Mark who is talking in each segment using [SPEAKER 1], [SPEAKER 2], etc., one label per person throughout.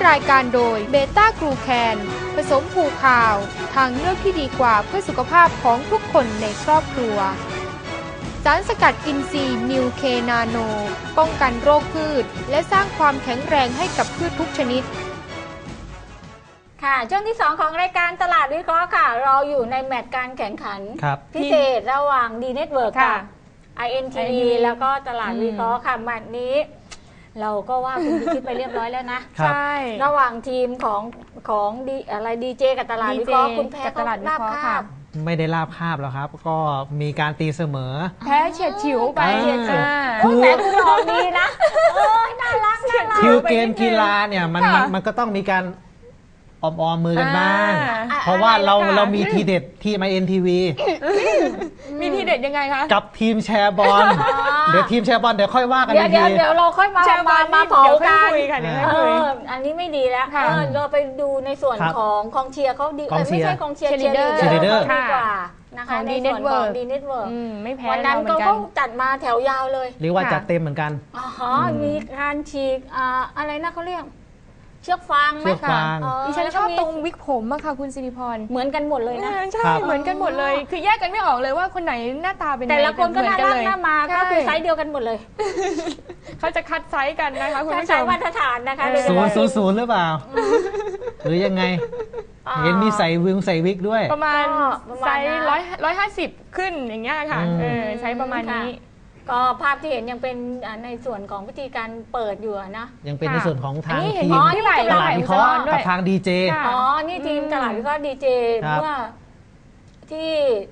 [SPEAKER 1] รายการโดยเบต้ากลูแคนผสมผูคาวทางเลือกที่ดีกว่าเพื่อสุขภาพของทุกคนในครอบครัวสารสกัดอินทรีย์นิวเคนาโนป้องกันโรคพืชและสร้างความแข็งแรงให้กับพืชทุกชนิด
[SPEAKER 2] ค่ะช่วงที่ 2 ของรายการตลาดวิเคราะห์ค่ะเราอยู่ในแมตช์การแข่งขันพิเศษระหว่างดีเน็ตเวิร์กกับ INTV แล้วก็ตลาดวิเคราะห์ค่ะแมตช์นี้เราก็ว่าคุณพิชิตไปเรียบร้อยแล้วนะ
[SPEAKER 1] ใช่
[SPEAKER 2] ระหว่างทีมของดีเจกับตลาดวิเคราะห์คุณแพ้ก็ลาบคาบ
[SPEAKER 3] ไม่ได้ลาบคาบแล้วครับก็มีการตีเสมอ
[SPEAKER 1] แพ้เฉียดฉิวไป
[SPEAKER 2] แต่คุณออกดีนะน่ารัก
[SPEAKER 3] คิวเกมกีฬาเนี่ยมันก็ต้องมีการออมมือกันบ้างเพราะว่าเรามีทีเด็ดทีม INTV
[SPEAKER 1] มีทีเด็ดยังไงคะ
[SPEAKER 3] กับทีมแชร์บอลเดี๋ยวทีมแชร์บอลเดี๋ยวค่อยว่ากัน
[SPEAKER 2] เดี๋ยวเราค่อยมาเผากันอันนี้ไม่ดีแล้วเราไปดูในส่วนของกองเชียร์เขาดีไม่ใช่กองเชียร์เชียร์ลีดเดอร์ดีกว่านะคะในส่วนของดีเน็ตเวิร์ก
[SPEAKER 1] ไม่แพ้
[SPEAKER 2] วันนั้นก็จัดมาแถวยาวเลย
[SPEAKER 3] เรียกว่าจัดเต็มเหมือนกัน
[SPEAKER 2] มีการฉีกอะไรนะเขาเรียกเชือกฟางไหม
[SPEAKER 3] คะ
[SPEAKER 1] ดิฉันชอบตรงวิกผมอะค่ะคุณสิริพร
[SPEAKER 2] เหมือนกันหมดเลยนะ
[SPEAKER 1] ใช่เหมือนกันหมดเลยคือแยกกันไม่ออกเลยว่าคนไหนหน้าตาเป็น
[SPEAKER 2] แต่ละคนก็น่ารักน่ามาก็คือไซส์เดียวกันหมดเลย
[SPEAKER 1] เขาจะคัดไซส์กันนะคะคุณผู้ชม
[SPEAKER 2] มาตรฐานนะคะ
[SPEAKER 3] 000หรือเปล่าหรือยังไงเห็นมีใส่วิกด้วย
[SPEAKER 1] ประมาณไซส์150ขึ้นอย่างเงี้ยค่ะใช้ประมาณนี้
[SPEAKER 2] ก็ภาพที่เห็นยังเป็นในส่วนของวิธีการเปิดอยู่นะ
[SPEAKER 3] ยังเป็นในส่วนของทางทีม
[SPEAKER 1] ตลาดวิเคราะห์
[SPEAKER 3] กับทางดีเจ
[SPEAKER 2] นี่ทีมตลาดวิเคราะห์ดีเจเมื่อที่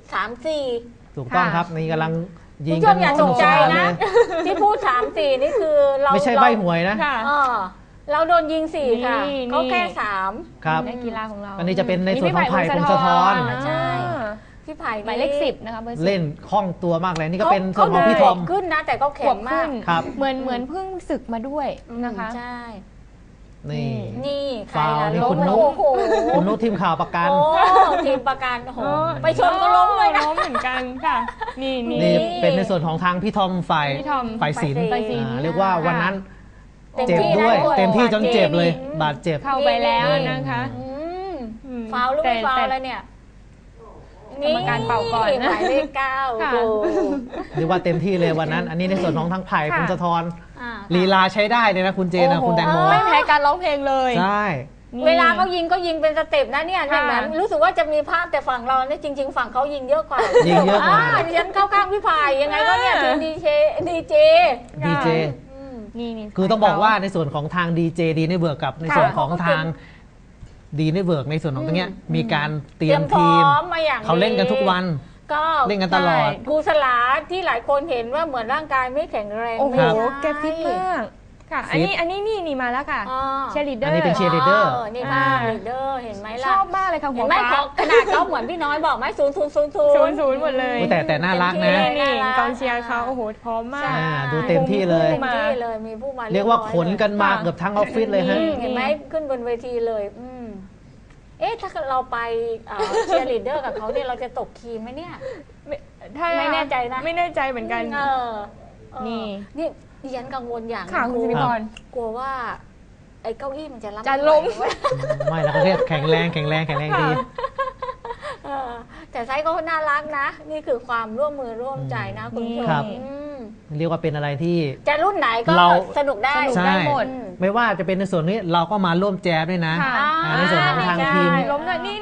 [SPEAKER 2] 3-4
[SPEAKER 3] ถูกต้องครับนี่กำลังยิง
[SPEAKER 2] กันอย่าตกใจนะที่พูด3-4นี่คือเรา
[SPEAKER 3] ไม่ใช่ใบหวยนะ
[SPEAKER 2] เราโดนยิง4ค่ะเขาแค่
[SPEAKER 3] 3ครับ
[SPEAKER 1] ในกีฬาของเรา
[SPEAKER 3] อันนี้จะเป็นในส่วนของไผ่พงศธร
[SPEAKER 2] ใช่พี่ไผ่
[SPEAKER 1] หมายเลข10นะคะ
[SPEAKER 3] เล่นคล่องตัวมากเลยนี่ก็เป็นส่วนของพี่ทอม
[SPEAKER 2] ขึ้นนะแต่ก็แข็งมาก
[SPEAKER 1] เหมือนเพิ่งศึกมาด้วยนะคะ
[SPEAKER 2] ใช่
[SPEAKER 3] นี่
[SPEAKER 2] ใครล่ะ
[SPEAKER 3] ล้มคุณนุชทีมข่าวประกัน
[SPEAKER 2] ทีมประกันไปชนก็ล้มเลยนะ
[SPEAKER 1] ล้มเหมือนกันค่ะนี่
[SPEAKER 3] เป็นในส่วนของทางพี่ทอมฝ่ายศิลป์เรียกว่าวันนั้นเจ็บด้วยเต็มที่จนเจ็บเลยบาดเจ็บ
[SPEAKER 1] เข้าไปแล้วนะคะ
[SPEAKER 2] ฟาวหรือไม่ฟาวอะไรเนี่ย
[SPEAKER 1] กรรมการเป่าก่อน
[SPEAKER 2] หมายเลข9
[SPEAKER 3] เรียกว่าเต็มที่เลยวันนั้นอันนี้ในส่วนของทั้งไผ่พงศธรลีลาใช้ได้เลยนะคุณเจนคุณแตงโม
[SPEAKER 1] ไม่แพ้การร้องเพลงเลย
[SPEAKER 3] ใช่
[SPEAKER 2] เวลาเขายิงก็ยิงเป็นสเต็ปนะเนี่ยนั้นรู้สึกว่าจะมีภาพแต่ฝั่งเราเนี่ยจริงๆฝั่งเขายิงเยอะกว่าดิฉันเข้าข้างพี่ไผ่ยังไงก็เนี่ยทีมดีเจ
[SPEAKER 3] นี่คือต้องบอกว่าในส่วนของทางดีเจดีเนเวิร์กกับในส่วนของทางดีเนเวิร์กในส่วนของตรงนี้มีการเตรียมทีมเขาเล่นกันทุกวัน
[SPEAKER 2] ก็
[SPEAKER 3] เล่นกันตลอด
[SPEAKER 2] ครูสลาที่หลายคนเห็นว่าเหมือนร่างกายไม่แข็งแรง
[SPEAKER 1] โอ้โหแกฟิตมากค่ะอันนี้นี่มาแล้วค่ะเชียร์ลีดเดอร์
[SPEAKER 3] อันนี้เป็นเชียร์ลีดเดอร์
[SPEAKER 2] นี่บ้างลีดเดอร์เห็นไหมล่ะ
[SPEAKER 1] ชอบมากเลยค่ะหัวฟ้า
[SPEAKER 2] ขนาดเขาเหมือนพี่น้อยบอกไหม
[SPEAKER 1] 0-0หมดเลย
[SPEAKER 3] แต่น่ารักนะ
[SPEAKER 1] นี่กองเชียร์เขาโอ้โหพร้อมมาก
[SPEAKER 3] ดูเต็มที่เลย
[SPEAKER 2] มีผู้มา
[SPEAKER 3] เรียกว่าขนกันมาเกือบทั้งออฟฟิศเลยฮะ
[SPEAKER 2] เห็นไหมขึ้นบนเวทีเลยถ้าเราไปเชียร์ลีดเดอร์กับเขาเนี่ยเราจะตกคีย์ไหมเนี่ยไม่แน่ใจนะ
[SPEAKER 1] ไม่แน่ใจเหมือนกัน
[SPEAKER 2] นี่ดิฉันกังวลอย่าง
[SPEAKER 1] ค่ะคุณสิริพร
[SPEAKER 2] กลัวว่าไอ้เก้าอี้มันจะ
[SPEAKER 1] ล้ม
[SPEAKER 3] ไม่แล้วก็เรียกแข็งแรงดี
[SPEAKER 2] แต่ไซส์ก็น่ารักนะนี่คือความร่วมมือร่วมใจนะคุณผู้ชม
[SPEAKER 3] เรียกว่าเป็นอะไรที่
[SPEAKER 2] จะรุ่นไหนก็สนุกได้
[SPEAKER 1] หมด
[SPEAKER 3] ไม่ว่าจะเป็นในส่วนนี้เราก็มาร่วมแจมด้วยนะในส่วนของทางทีม
[SPEAKER 1] ล้มหน่อยนี่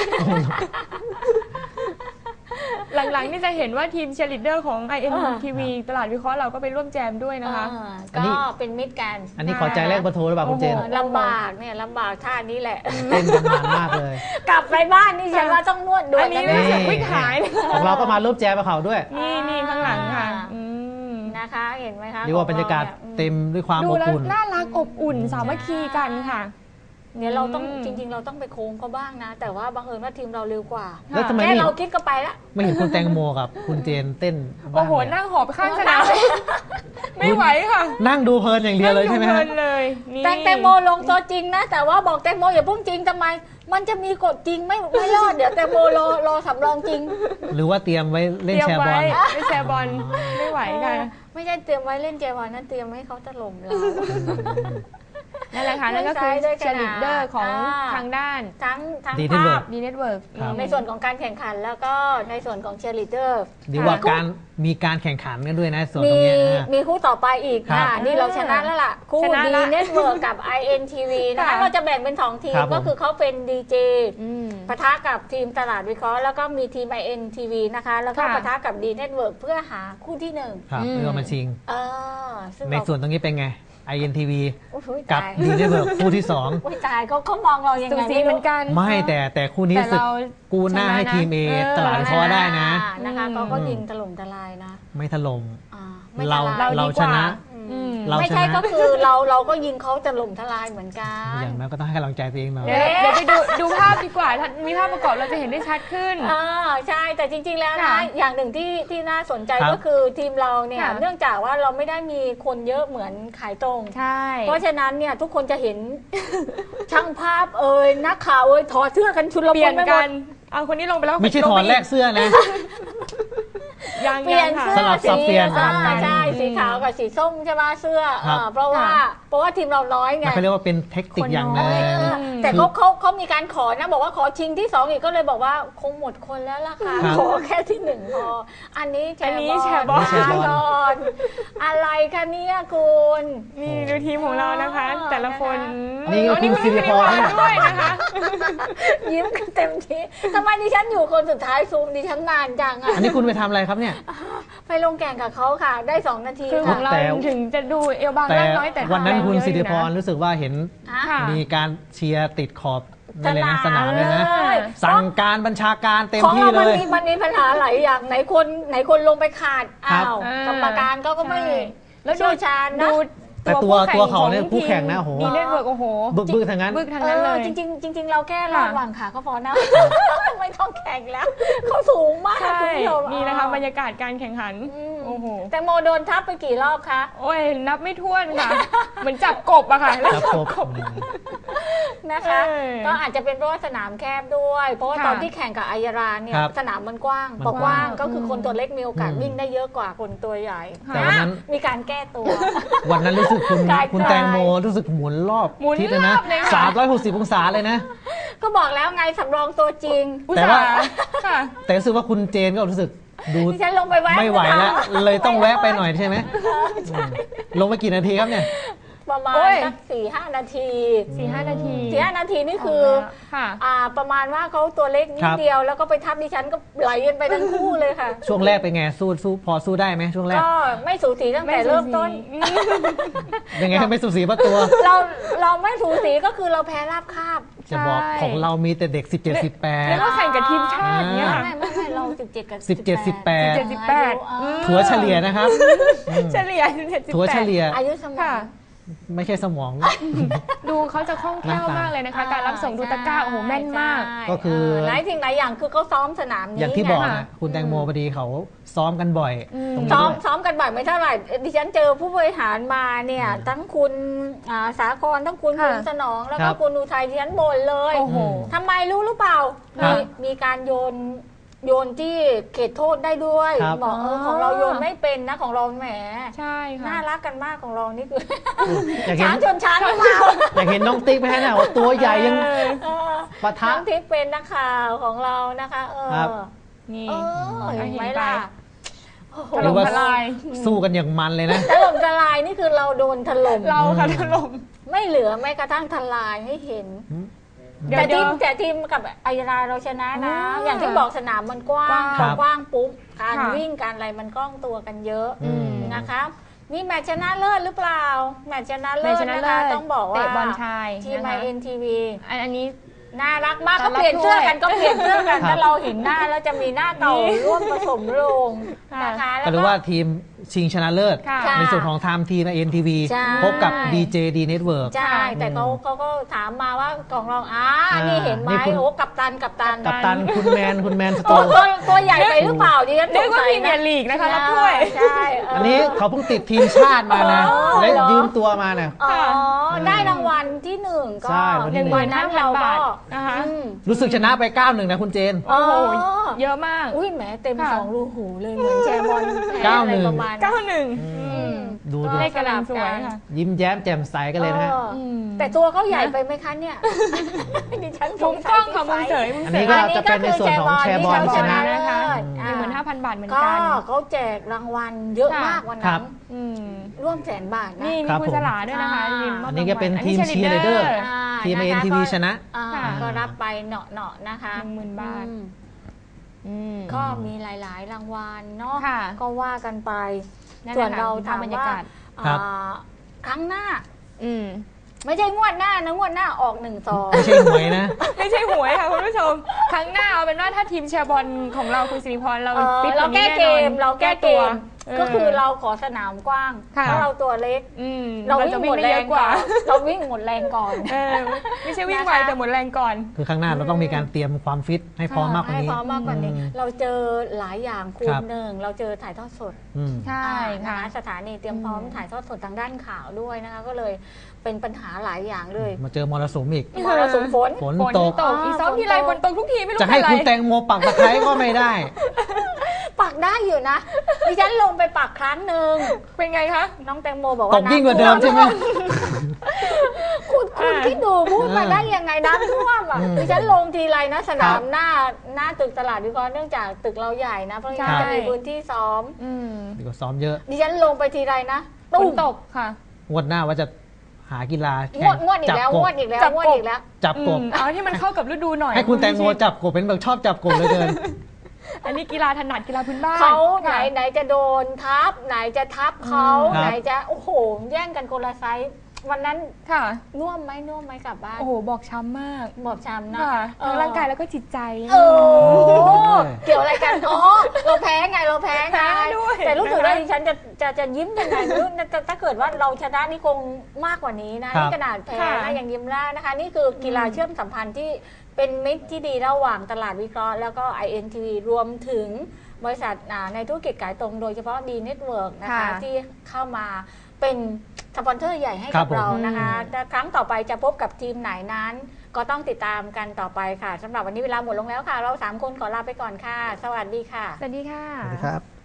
[SPEAKER 1] หลังๆนี่จะเห็นว่าทีมเชียร์ลีดเดอร์ของ INTV ตลาดวิเคราะห์เราก็ไปร่วมแจมด้วยนะคะ
[SPEAKER 2] ก็เป็นมิตรกัน
[SPEAKER 3] อันนี้ขอใจแรกประโทรหรือเปล่าคุณเจน
[SPEAKER 2] ลำบากเนี่ยลำบากท่านี้แหละ
[SPEAKER 3] เต้นกันมากเลย
[SPEAKER 2] กลับไปบ้านนี่ฉันว่าต้องนวดด้วย
[SPEAKER 1] อันนี้ไม่เสียวิ่งหาย
[SPEAKER 3] ของเราก็มาร่วมแจมกับเขาด้วย
[SPEAKER 1] นี่ข้างหลังค่ะ
[SPEAKER 2] นะคะเห็นไหมคะ
[SPEAKER 3] เรียกว่าบรรยากาศเต็มด้วยความอบอุ่น
[SPEAKER 1] น่ารักอบอุ่นสามัคคีกันค่ะ
[SPEAKER 2] เนี่ยเราต้องจริงๆเราต้องไปโค้งเขาบ้างนะแต่ว่าบังเอิญว่าทีมเราเร็วกว่า
[SPEAKER 3] แล้วทำไม
[SPEAKER 2] เราคิดก็ไปละ
[SPEAKER 3] ไม่เห็นคุณแตงโมกับคุณเจนเต้น
[SPEAKER 1] โอ้โหนั่งหอบข้างสนามไม่ไหวค่ะ
[SPEAKER 3] นั่งดูเพลินอย่างเดียวเลยใช่ไหม
[SPEAKER 1] เพลินเลย
[SPEAKER 2] แตงโมลงตัวจริงนะแต่ว่าบอกแตงโมอย่าพุ่งจริงทำไมมันจะมีกฎจริงไม่รอดเดี๋ยวแตงโมรอสำรองจริง
[SPEAKER 3] หรือว่าเตรียมไว้เล่นแชร์บอล
[SPEAKER 1] ไม่แชร์บอลไม่ไหวค่ะ
[SPEAKER 2] ไม่ใช่เตรียมไว้เล่นแชร์บอลนั่นเตรียมให้เขาถล่มเรา
[SPEAKER 1] นั่นแหละนะคะนั่นก็คือเชียร์ลีดเดอร์ของทางด้าน
[SPEAKER 2] ทั้ง
[SPEAKER 3] ดี
[SPEAKER 2] ภาพ
[SPEAKER 1] ดีเน็ตเวิร์ก
[SPEAKER 2] ในส่วนของการแข่งขันแล้วก็ในส่วนของเชียร์ลีดเดอร์
[SPEAKER 3] ดีว่ามีการแข่งขันกันด้วยนะส่วนตรงนี้
[SPEAKER 2] มีคู่ต่อไปอีกค่ะนี่เราชนะแล้วล่ะคู่ดีเน็ตเวิร์กกับ INTV นะคะเราจะแบ่งเป็น2ทีมก็คือเขาเป็นดีเจปะทะกับทีมตลาดวิเคราะห์แล้วก็มีทีม INTV นะคะแล้วก็ปะทะกับดีเน็ตเวิร์กเพื่อหาคู่ที่1
[SPEAKER 3] ครับเพื่อมาชิงในส่วนตรงนี้เป็นไง INTV กับดีเน็ตเวิร์กคู่ที่2
[SPEAKER 2] อุ้ยตายเขามองเรายังไง
[SPEAKER 1] เหมือนกัน
[SPEAKER 3] ไม่แต่คู่นี้สึกกูหน้าให้ทีม A ตลาดวิเคราะห์ได้นะ
[SPEAKER 2] นะคะก็ยิงถล่มทลายนะ
[SPEAKER 3] ไม่ถล่มเราชนะ
[SPEAKER 2] ไม่ใช่ก็คือเราก็ยิงเขาถล่มทลายเหมือนกัน
[SPEAKER 3] อย่างนั้นก็ต้องให้กำลังใจตัวเองหน่อย
[SPEAKER 1] เดี๋ยวไปดูภาพดีกว่ามีภาพประกอบเราจะเห็นได้ชัดขึ้น
[SPEAKER 2] ใช่แต่จริงๆแล้วนะอย่างหนึ่งที่น่าสนใจก็คือทีมเราเนี่ยเนื่องจากว่าเราไม่ได้มีคนเยอะเหมือนขายตรงเพราะฉะนั้นเนี่ยทุกคนจะเห็นช่างภาพนักข่าวถอดเสื้อกันชุลมุนไปหมด
[SPEAKER 1] เอาคนนี้ลงไปแล้ว
[SPEAKER 3] ไม่ใช่ถอดแลกเสื้อนะ
[SPEAKER 2] เปลี่ยนเสื้อ
[SPEAKER 3] สับเปลี่ยน
[SPEAKER 2] ใช่สีขาวกับสีส้มใช่ไหมเสื้อเพราะว่าทีมเราน้อยไง
[SPEAKER 3] เขาเรียกว่าเป็นเทคนิคอย่างนึง
[SPEAKER 2] แต่เขามีการขอนะบอกว่าขอชิงที่2อีกก็เลยบอกว่าคงหมดคนแล้วล่ะค่ะขอแค่ที่1พออันนี้แชร์บอลอะไรคะเนี่ยคุณ
[SPEAKER 1] นี่ดูทีมของเรานะคะแต่ละคน
[SPEAKER 3] นี่คุณสิริพร
[SPEAKER 1] ด้วยนะคะ
[SPEAKER 2] ยิ้มกันเต็มที่ทำไมดิฉันอยู่คนสุดท้ายซูมดิฉันนานจัง
[SPEAKER 3] อันนี้คุณไปทำอะไรครับเนี่ย
[SPEAKER 2] ไปลงแข่งกับเขาค่ะได้2นาที
[SPEAKER 1] คือของเราถึงจะดูเอวบางร่างน้อยแต่
[SPEAKER 3] วันนั้นคุณสิริพรรู้สึกว่าเห็นมีการเชียร์ติดขอบนั่นเลยนะสนามเลยนะสั่งการบัญชาการเต็มที่เลย
[SPEAKER 2] มันมีปัญหาหลายอย่างไหนคนลงไปขาดกรรมการก็ไม่
[SPEAKER 1] แล้ว
[SPEAKER 2] เชี่ยวชาญนะ
[SPEAKER 3] แต่ตัวเขาเนี่ยคู่แข่งนะโอ้โห
[SPEAKER 1] ดีเน็ตเวิร์กโอ้โห
[SPEAKER 3] บึกทางนั้น
[SPEAKER 2] เลยจริงเราแค่รอดหวังขาก็พอนะไม่ต้องแข่งแล้วเขาสูงมากคุณผู้ชม
[SPEAKER 1] นี่นะคะบรรยากาศการแข่งขันโอ้โห
[SPEAKER 2] แต่โมโดนทับไปกี่รอบคะ
[SPEAKER 1] โอ้ยนับไม่ถ้วนค่ะเหมือนจับกบอะค่ะ
[SPEAKER 3] จับกบ
[SPEAKER 2] นะคะก็อาจจะเป็นเพราะว่าสนามแคบด้วยเพราะว่าตอนที่แข่งกับอัยราเนี่ยสนามมันกว้างพอกว้างก็คือคนตัวเล็กมีโอกาสวิ่งได้เยอะกว่าคนตัวใหญ่
[SPEAKER 3] แต่วันนั้น
[SPEAKER 2] มีการแก้ตัว
[SPEAKER 3] วันนั้นรู้สึกคุณแตงโมรู้สึกหมุนรอบทิศเลยนะ360องศาเลยนะ
[SPEAKER 2] ก็บอกแล้วไงสำรองตัวจริง
[SPEAKER 3] แต่รู้สึกว่าคุณเจนก็รู้สึกดู
[SPEAKER 2] ฉันลงไปแวะ
[SPEAKER 3] ไม่ไหวแล้วเลยต้องแวะไปหน่อยใช่ไหมลงไปกี่นาทีครับเนี่ย
[SPEAKER 2] ประมาณสัก4-5 นาที
[SPEAKER 1] 4-5 นาที
[SPEAKER 2] นี่คือประมาณว่าเขาตัวเล็กนิดเดียวแล้วก็ไปทับดิฉันก็ไหลกันไปทั้งคู่เลยค่ะ
[SPEAKER 3] ช่วงแรกเป็นไงสู้พอสู้ได้ไหมช่วงแรก
[SPEAKER 2] ก็ไม่สูสีตั้งแต่เริ่มต้น
[SPEAKER 3] ยังไงไม่สูสีเพราะตัว
[SPEAKER 2] เราไม่สูสีก็คือเราแพ้ราบคาบ
[SPEAKER 3] จะบอกของเรามีแต่เด็ก17-18
[SPEAKER 1] แล้วก็แข่งกับทีมชาติเนี่ย
[SPEAKER 2] ไม่เรา17กับ
[SPEAKER 3] 17-18ถัวเฉลี่ยนะครับ
[SPEAKER 1] เฉลี่ย17-18
[SPEAKER 3] ถัวเฉลี่ย
[SPEAKER 2] อายุสมอง
[SPEAKER 3] ไม่ใช่สมอง
[SPEAKER 1] ดูเขาจะคล่องแคล่วมากเลยนะคะการรับส่งดูตะกร้าโอ้โหแม่นมาก
[SPEAKER 3] ก็คือ
[SPEAKER 2] หลายสิ่งหลายอย่างคือเขาซ้อมสนามนี้
[SPEAKER 3] อย่างที่บอกนะคุณแตงโมพอดีเขาซ้อมกันบ่อย
[SPEAKER 2] ซ้อมกันบ่อยไม่เท่าไหร่ดิฉันเจอผู้บริหารมาเนี่ยทั้งคุณสาครทั้งคุณสนองแล้วก็คุณอุทัยดิฉันบ่นเลยทำไมรู้หรือเปล่ามีการโยนที่เขตโทษได้ด้วยบอกของเราโยนไม่เป็นนะของเราแหม
[SPEAKER 1] ใช่ค่ะ
[SPEAKER 2] น่ารักกันมากของเรานี่คือช้างชนช้างหรือเปล่า
[SPEAKER 3] อยากเห็นน้องติ๊กไหมฮะเนี่ยตัวใหญ่ยังปะทะ
[SPEAKER 2] น้องติ๊กเป็นนักข่าวของเรานะคะ
[SPEAKER 1] นี่
[SPEAKER 2] เห็นไหมล่ะ
[SPEAKER 3] หรือว่าสู้กันอย่างมันเลยนะ
[SPEAKER 2] ถล่มทลายนี่คือเราโดนถล่ม
[SPEAKER 1] เราค่ะถล่ม
[SPEAKER 2] ไม่เหลือแม้กระทั่งทลายให้เห็นแต่ทีมกับอัยราเราชนะนะอย่างที่บอกสนามมันกว้างปุ๊บการวิ่งการอะไรมันกล้องตัวกันเยอะนะคะนี่แมตช์ชนะเลิศหรือเปล่าแมตช์ชนะเลิศนะคะต้องบอกว่า
[SPEAKER 1] บอลชาย
[SPEAKER 2] ทีม INTV
[SPEAKER 1] อันนี้
[SPEAKER 2] น่ารักมากก็เปลี่ยนเสื้อกันถ้าเราเห็นหน้าแล้วจะมีหน้าเต่าร่วมผสมลงนะคะ
[SPEAKER 3] หรือว่าทีมชิงชนะเลิศในส่วนของทีม INTV พบกับ DJ D Network
[SPEAKER 2] ใช่แต่เขาก็ถามมาว่าของเรานี่เห็นไหมโอ้กัปตัน
[SPEAKER 3] คุณแมนสโต
[SPEAKER 2] ตัวใหญ่ไปหรือเปล่าดิฉัน
[SPEAKER 1] นึกว่าพรีเมียร์ลีกนะคะรับถ้วย
[SPEAKER 2] ใช่
[SPEAKER 3] อันนี้เขาเพิ่งติดทีมชาติมานะและยืมตัวมาเนี่ย
[SPEAKER 2] ได้รางวัลที่1ก็
[SPEAKER 1] 15,000 บาทนะคะ
[SPEAKER 3] รู้สึกชนะไป 9-1 นะคุณเจน
[SPEAKER 1] โอ้โหเยอะมาก
[SPEAKER 2] อุ้ยแหมเต็ม2รูหูเลยเหมือนแชร์บอล
[SPEAKER 3] 9-1
[SPEAKER 2] ประมาณ
[SPEAKER 3] ดดู
[SPEAKER 1] เลขกำลังสวยค่ะ
[SPEAKER 3] ยิ้มแย้มแจ่มใสกันเลยนะฮะ
[SPEAKER 2] แต่ตัวเขาใหญ่ไปไหมคะเนี่ยดิฉันส
[SPEAKER 1] มุ
[SPEAKER 2] ง
[SPEAKER 1] ม
[SPEAKER 2] สั
[SPEAKER 1] ก
[SPEAKER 2] ย
[SPEAKER 1] ล้องค่ะมุมเสยมุม
[SPEAKER 3] อัน
[SPEAKER 1] เส
[SPEAKER 3] นี้
[SPEAKER 1] ย
[SPEAKER 3] ก็จะเป็นในส่วนของแชร์บอลชนะ
[SPEAKER 1] นะคะ
[SPEAKER 2] อ่า
[SPEAKER 1] 15,000 บาทเหมือน
[SPEAKER 2] ก็
[SPEAKER 1] กัน
[SPEAKER 2] เขาแจกรางวัลเยอะมากวัน
[SPEAKER 3] ครั
[SPEAKER 2] นั้
[SPEAKER 3] บ
[SPEAKER 2] น
[SPEAKER 1] อืม
[SPEAKER 2] ร่วม100,000 บาทนะ
[SPEAKER 1] นี่มี
[SPEAKER 3] ครับ
[SPEAKER 1] คุณสลาด้วยนะคะ
[SPEAKER 2] ผม
[SPEAKER 1] ยืมมบ
[SPEAKER 3] อันนี้ก็เป็น
[SPEAKER 1] รางวัล
[SPEAKER 3] ทีม
[SPEAKER 1] อันนี้
[SPEAKER 3] cheerleader
[SPEAKER 2] อ่า
[SPEAKER 3] ทีม
[SPEAKER 2] นะคะ
[SPEAKER 3] NTV ชนะ
[SPEAKER 2] อ่า
[SPEAKER 1] ค่ะ
[SPEAKER 2] ก็รับไปเนาะๆนะคะ
[SPEAKER 1] 10,000 บาท
[SPEAKER 2] อืมก็มีหลายๆ รางวัลเนาะ
[SPEAKER 1] ค่ะ
[SPEAKER 2] ก็ว่ากันไป
[SPEAKER 1] นั่น
[SPEAKER 2] ส่วน
[SPEAKER 1] แหละ
[SPEAKER 2] เรา
[SPEAKER 1] ค่ะ
[SPEAKER 2] ถาม
[SPEAKER 1] บรรยา
[SPEAKER 2] ว่าก
[SPEAKER 1] าศ
[SPEAKER 3] ครับ
[SPEAKER 2] ครั้งหน้า
[SPEAKER 1] อืม
[SPEAKER 2] ไม่ใช่งวดหน้านะงวดหน้าออก1-2
[SPEAKER 3] ไม่ใช่หวยนะ
[SPEAKER 1] ไม่ใช่หวยค่ะคุณผู้ชม ครั้งหน้าเอาเป็นว่าถ้าทีมเชียร์บอลของเราคุณสิริพรเรา
[SPEAKER 2] เ
[SPEAKER 1] ฟิต
[SPEAKER 2] เรา
[SPEAKER 1] ว่นี้
[SPEAKER 2] แก้เกม
[SPEAKER 1] แน่นอน
[SPEAKER 2] เราแก้เกม
[SPEAKER 1] ตัว
[SPEAKER 2] ก็คือเราขอสนามกว้าง
[SPEAKER 1] ค่ะ
[SPEAKER 2] เพราะเราตัวเล็ก
[SPEAKER 1] อืม
[SPEAKER 2] เรา
[SPEAKER 1] เรา
[SPEAKER 2] วิ่
[SPEAKER 1] จะ
[SPEAKER 2] ง
[SPEAKER 1] วิ่
[SPEAKER 2] ห
[SPEAKER 1] ง
[SPEAKER 2] มด
[SPEAKER 1] ได้
[SPEAKER 2] แร
[SPEAKER 1] เย
[SPEAKER 2] ง
[SPEAKER 1] อะกว่า
[SPEAKER 2] เราวิ่งหมดแรงก่อน
[SPEAKER 1] เออไม่ใช่วิ่ง
[SPEAKER 2] นะคะ
[SPEAKER 1] ไวแต่หมดแรงก่อน
[SPEAKER 3] คือข้างหน้าเราต้องมีการเตรียมความฟิตให้พร้อมมากกว่า
[SPEAKER 2] ให้
[SPEAKER 3] นี้
[SPEAKER 2] พร้อมมากกว่านี้
[SPEAKER 3] อืม
[SPEAKER 2] เราเจอหลายอย่างคู
[SPEAKER 3] ครั
[SPEAKER 2] ณ
[SPEAKER 3] บ
[SPEAKER 2] หนึ่งเราเจอถ่ายทอดสด
[SPEAKER 3] อืม
[SPEAKER 1] ใช่
[SPEAKER 2] นะ
[SPEAKER 1] ค่ะ
[SPEAKER 2] คะสถานีเตรียมพร้อม
[SPEAKER 1] อืม
[SPEAKER 2] ถ่ายทอดสดทางด้านข่าวด้วยนะคะ ก็เลยเป็นปัญหาหลายอย่างเลย
[SPEAKER 3] มาเจอมรสุมอีก
[SPEAKER 2] มรสุมฝน
[SPEAKER 3] ฝน
[SPEAKER 1] ฝน
[SPEAKER 3] ตก
[SPEAKER 1] ตกอีซ้อมทีไรฝนตกทุกทีไม่รู้
[SPEAKER 3] จะให้
[SPEAKER 1] เป็นไร
[SPEAKER 3] คุณแตงโมปักตะไคร้ก็ไม่ได้
[SPEAKER 2] ปักได้อยู่นะดิฉันลงไปปักครั้งหนึ่ง
[SPEAKER 1] เป็นไงคะ
[SPEAKER 2] น้องแตงโมบอก
[SPEAKER 3] ต
[SPEAKER 2] ว่าก
[SPEAKER 3] ยิ่งกว่าเดิมใช่ไหม
[SPEAKER 2] คุณคิดดูพูดมาได้ยังไงน้ำท่วมอ่ะ
[SPEAKER 3] อืม
[SPEAKER 2] ดิฉันลงทีไรนะสนา
[SPEAKER 3] ครั
[SPEAKER 2] ม
[SPEAKER 3] บ
[SPEAKER 2] หน้าตึกตลาดวิเคราะห์เนื่องจากตึกเราใหญ่นะเพราะงั้น
[SPEAKER 1] ใช่
[SPEAKER 2] จะมีพื้นที่ซ้อม
[SPEAKER 1] อืม
[SPEAKER 3] ดีกว่าซ้อมเยอะ
[SPEAKER 2] ดิฉันลงไปทีไรนะ
[SPEAKER 1] ฝ
[SPEAKER 2] ตุ้
[SPEAKER 1] น
[SPEAKER 2] ม
[SPEAKER 1] ตกค่ะ
[SPEAKER 3] งวดหน้าว่าจะหากีฬาง
[SPEAKER 2] วดอีกแล้ว
[SPEAKER 3] จับ
[SPEAKER 2] ง
[SPEAKER 3] ก
[SPEAKER 2] ว
[SPEAKER 3] บ
[SPEAKER 2] ดอีกแล้ว
[SPEAKER 1] จับ
[SPEAKER 2] งวด
[SPEAKER 1] กบ
[SPEAKER 2] อีกแล้ว
[SPEAKER 3] จับกบ
[SPEAKER 1] เอาที่มันเข้ากับฤดูหน่อย
[SPEAKER 3] ให้คุณแตงโมจับกบเป็นแบบชอบจับกบเหลยเกิน
[SPEAKER 1] อันนี้กีฬาถนัดกีฬาพื้นบ้าน
[SPEAKER 2] เขาไหน
[SPEAKER 1] ค่ะ
[SPEAKER 2] ไหนจะโดนทับไหนจะทับเขา
[SPEAKER 3] ครับ
[SPEAKER 2] ไหนจะโอ้โหแย่งกันคนละไซส์วันนั้น
[SPEAKER 1] ค่ะ
[SPEAKER 2] น่วมไหมกลับบ้าน
[SPEAKER 1] โอ้โหบอกช้ำมาก
[SPEAKER 2] บอบช้ำนะ
[SPEAKER 1] ค่ะทั้งร่างกายแล้วก็จิตใจ
[SPEAKER 2] โอ้เกี่ยวอะไรกันอ๋อเราแพ้ไง
[SPEAKER 1] แพ้ด้วย
[SPEAKER 2] แต่รู้สึกว่า
[SPEAKER 1] นะคะ
[SPEAKER 2] ดิฉันจะยิ้มยังไงไม่รู้ถ้าเกิดว่าเราชนะนี่คงมากกว่านี้นะครับ นี่ขนาดแพ้
[SPEAKER 1] ค่ะ
[SPEAKER 2] นะยังยิ้มได้นะคะ นี่คือกีฬาเชื่อมสัมพันธ์ที่เป็นมิตรที่ดีระหว่างตลาดวิเคราะห์แล้วก็ INTV รวมถึงบริษัทในธุรกิจขายตรงโดยเฉพาะ D Network นะคะ
[SPEAKER 1] ค่ะ
[SPEAKER 2] ที่เข้ามาเป็นสปอนเซอร์ใหญ่ให้
[SPEAKER 3] ครั
[SPEAKER 2] กั
[SPEAKER 3] บบ ผม
[SPEAKER 2] เรานะคะแต่ครั้งต่อไปจะพบกับทีมไหนนั้น ก็ต้องติดตามกันต่อไปค่ะสำหรับวันนี้เวลาหมดลงแล้วค่ะ เรา 3 คนขอลาไปก่อนค่ะ สวัสดีค่ะ
[SPEAKER 1] สวัสดีค่ะ
[SPEAKER 3] สวัสดีครับ